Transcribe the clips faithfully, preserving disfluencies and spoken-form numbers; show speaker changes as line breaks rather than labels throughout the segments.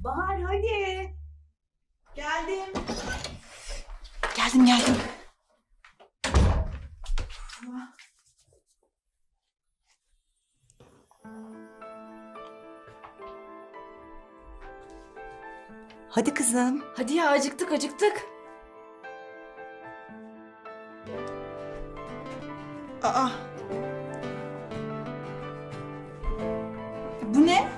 Bahar hadi. Geldim.
Geldim geldim. Hadi kızım.
Hadi ya acıktık acıktık.
Aa. Bu ne?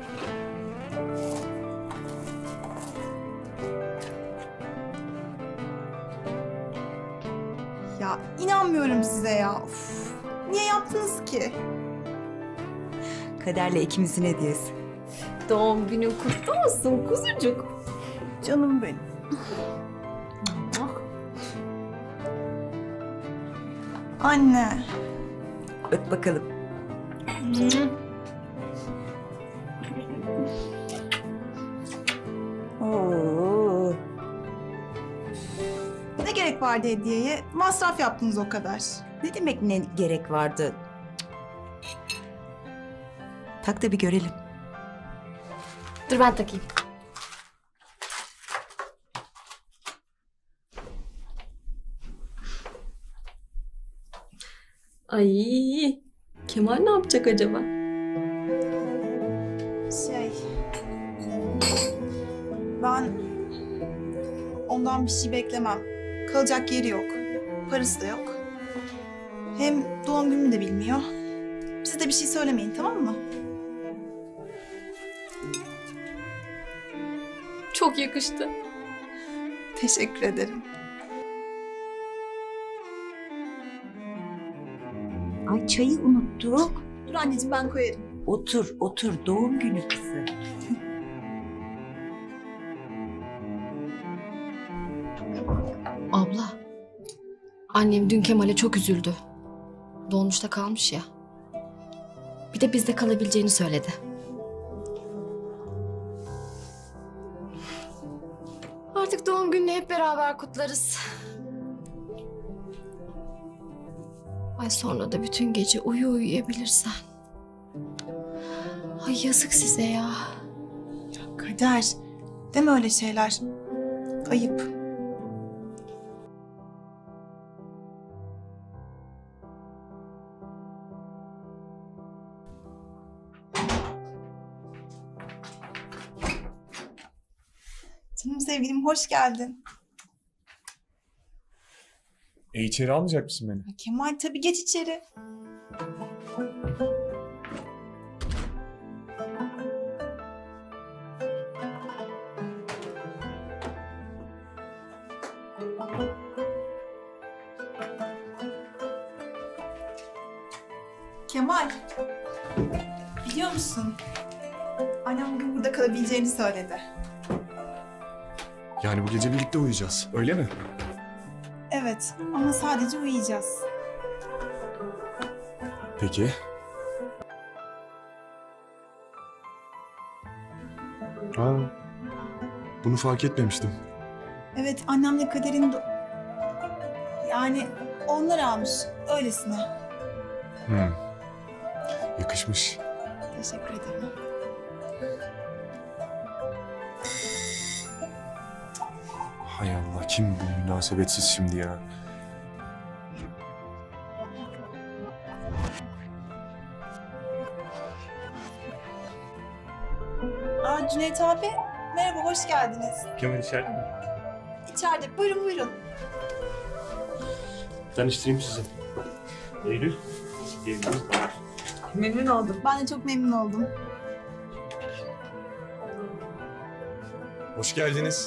Ya inanmıyorum size ya. Uf, niye yaptınız ki?
Kaderle ikimizin hediyesi.
Doğum günün kutlu olsun kuzucuk.
Canım benim. Anne.
Öp bakalım. Oo.
Ne gerek vardı hediyeye? Masraf yaptınız o kadar.
Ne demek ne gerek vardı? Tak da bir görelim.
Dur ben takayım. Ay, Kemal ne yapacak acaba?
Şey... Ben ondan bir şey beklemem. Kalacak yeri yok. Parası da yok. Hem doğum günümü de bilmiyor. Siz de bir şey söylemeyin, tamam mı?
Çok yakıştı.
Teşekkür ederim.
Ay çayı unuttuk.
Dur anneciğim, ben koyarım.
Otur otur doğum günü kızı.
Abla, annem dün Kemal'e çok üzüldü. Dolmuşta kalmış ya. Bir de bizde kalabileceğini söyledi. Artık doğum gününü hep beraber kutlarız. Ay sonra da bütün gece uyu uyuyabilirsen. Ay yazık size ya.
Kader. Deme öyle şeyler. Ayıp. Canım sevgilim, hoş geldin.
E içeri almayacak mısın beni?
Ya Kemal, tabii geç içeri. Kemal, biliyor musun? Annem bugün burada kalabileceğini söyledi.
Yani bu gece birlikte uyuyacağız, öyle mi?
Evet, ama sadece uyuyacağız.
Peki. Aa, bunu fark etmemiştim.
Evet, annemle Kader'in... do- Yani onlar almış, öylesine.
Hmm. Yakışmış.
Teşekkür ederim.
Hay Allah, kim bu münasebetsiz şimdi ya?
Aa, Cüneyt abi, merhaba, hoş geldiniz.
Kemal içeride mi?
İçeride, buyurun buyurun.
Tanıştırayım sizi. Eylül. Eylül.
Memnun oldum.
Ben de çok memnun oldum.
Hoş geldiniz.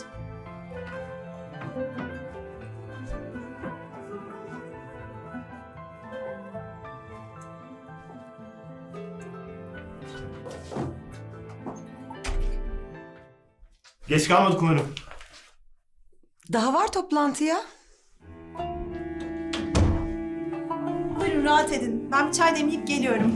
Geç kalmadık umarım.
Daha var toplantıya.
Buyurun, rahat edin. Ben bir çay demleyip geliyorum.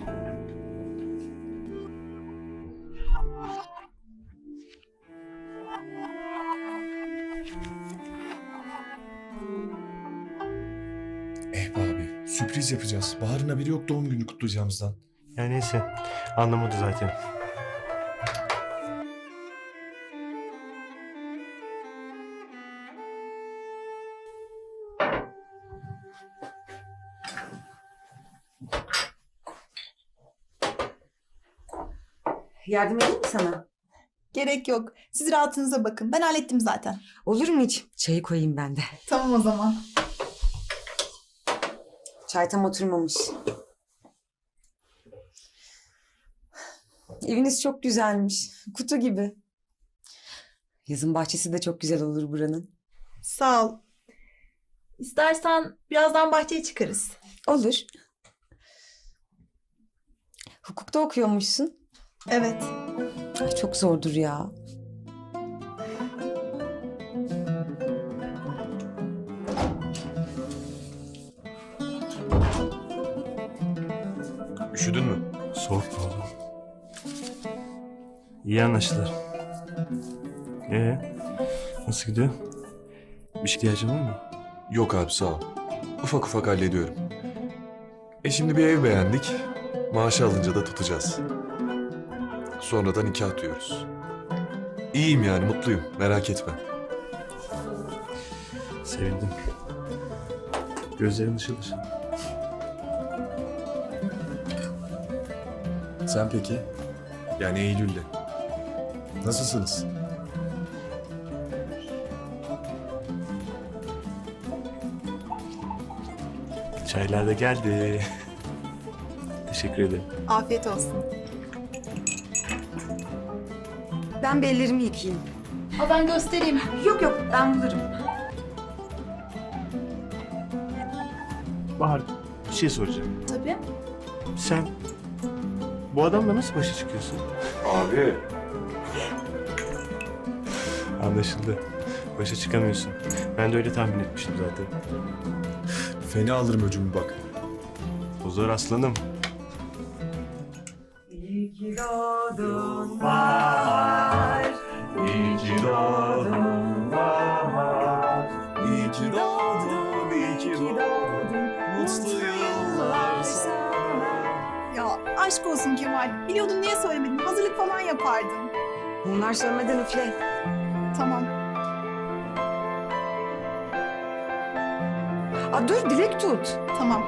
Eh be abi, sürpriz yapacağız. Bahar'ın haberi yok doğum günü kutlayacağımızdan.
Ya neyse. Anlamadı zaten.
Yardım edeyim mi sana?
Gerek yok. Siz rahatınıza bakın. Ben hallettim zaten.
Olur mu hiç? Çayı koyayım ben de.
Tamam o zaman.
Çay tam oturmamış. Eviniz çok güzelmiş. Kutu gibi. Yazın bahçesi de çok güzel olur buranın.
Sağ ol. İstersen birazdan bahçeye çıkarız.
Olur. Hukukta okuyormuşsun.
Evet.
Ay, çok zordur ya.
Üşüdün mü?
Soğuk mu oldu? İyi anlaştılar. Ee, nasıl gidiyor? Bir şey ihtiyacın var mı?
Yok abi sağ ol. Ufak ufak hallediyorum. E şimdi bir ev beğendik. Maaşı alınca da tutacağız. Sonra da nikah diyoruz. İyiyim yani mutluyum merak etme.
Sevindim. Gözlerin ışıl ışıl.
Sen peki? Yani Eylül'le. Nasılsınız?
Çaylar da geldi. Teşekkür ederim.
Afiyet olsun.
Ben bir ellerimi yıkayayım.
Ha ben göstereyim.
Yok yok ben bulurum.
Bahar, bir şey soracağım.
Tabii.
Sen bu adamla nasıl başa çıkıyorsun?
Abi.
Anlaşıldı. Başa çıkamıyorsun. Ben de öyle tahmin etmiştim zaten.
Fena alırım öcümü bak.
O zor aslanım.
İyi ki doğdun bahar.
İyi ki doğdun bahar. İyi ki doğdun, iyi ki doğdun. Mutlu yıllar sana.
Ya aşk olsun Kemal. Biliyordun niye söylemedin? Hazırlık falan yapardın.
Bunlar sönmeden üfle.
Tamam.
Aa, dur dilek tut.
Tamam.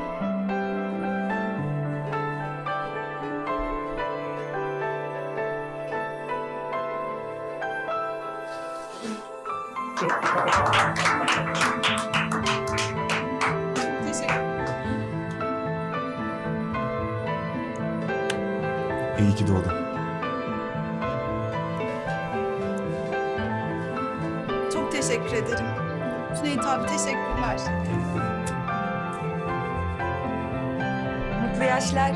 Teşekkür.
İyi ki doğdun.
Çok teşekkür ederim. Cüneyt abi teşekkürler.
Mutlu yaşlar.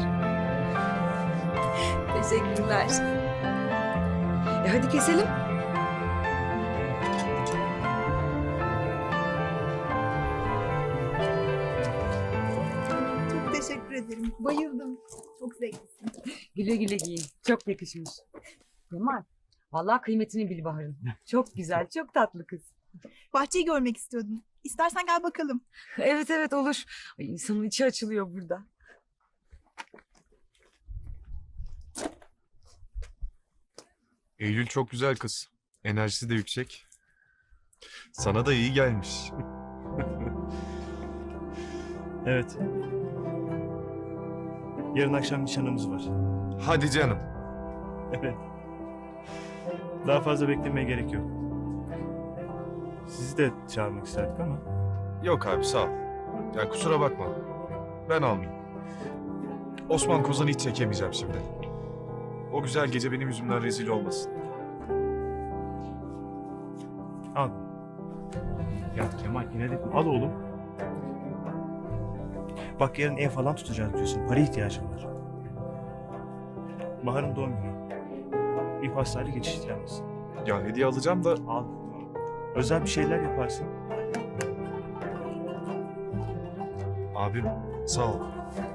Teşekkürler.
E hadi keselim.
Çok teşekkür ederim. Bayıldım. Çok zevklisin.
Güle güle giyin. Çok yakışmış. Kemal, vallahi kıymetini bil Bahar'ın. Çok güzel, çok tatlı kız.
Bahçeyi görmek istiyordum. İstersen gel bakalım.
Evet evet olur. Ay, insanın içi açılıyor burada.
Eylül çok güzel kız. Enerjisi de yüksek. Sana da iyi gelmiş.
Evet. Yarın akşam nişanımız var.
Hadi canım.
Evet. Daha fazla beklemeye gerek yok. Sizi de çağırmak isterdik ama.
Yok abi sağ ol. Ya kusura bakma. Ben almayayım. Osman Kozan'ı hiç çekemeyeceğim şimdi. O güzel gece benim yüzümden rezil olmasın.
Al. Ya Kemal yine de al oğlum. Bak yarın ev falan tutacağız diyorsun. Para ihtiyacım var. Bahar'ın doğum günü. Bir pastayla geçiştiremez.
Ya hediye alacağım da
Al. Özel bir şeyler yaparsın.
abim sağ ol.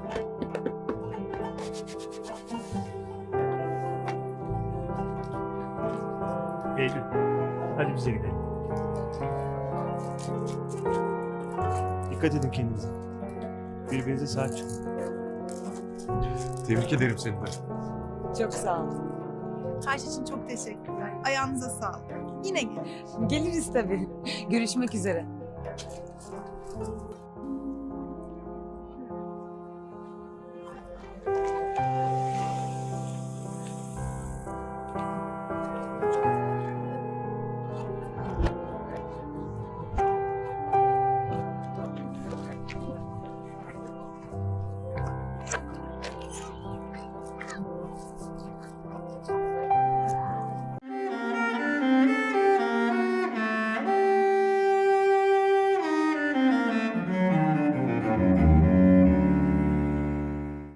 Eylül. Hadi bize gidelim. Dikkat edin kendinize. Birbirinize sahip çıkın.
Tebrik ederim seni de.
Çok sağ ol.
Her şey için çok teşekkürler. Ayağınıza sağlık. Yine gel.
Geliriz tabii. Görüşmek üzere.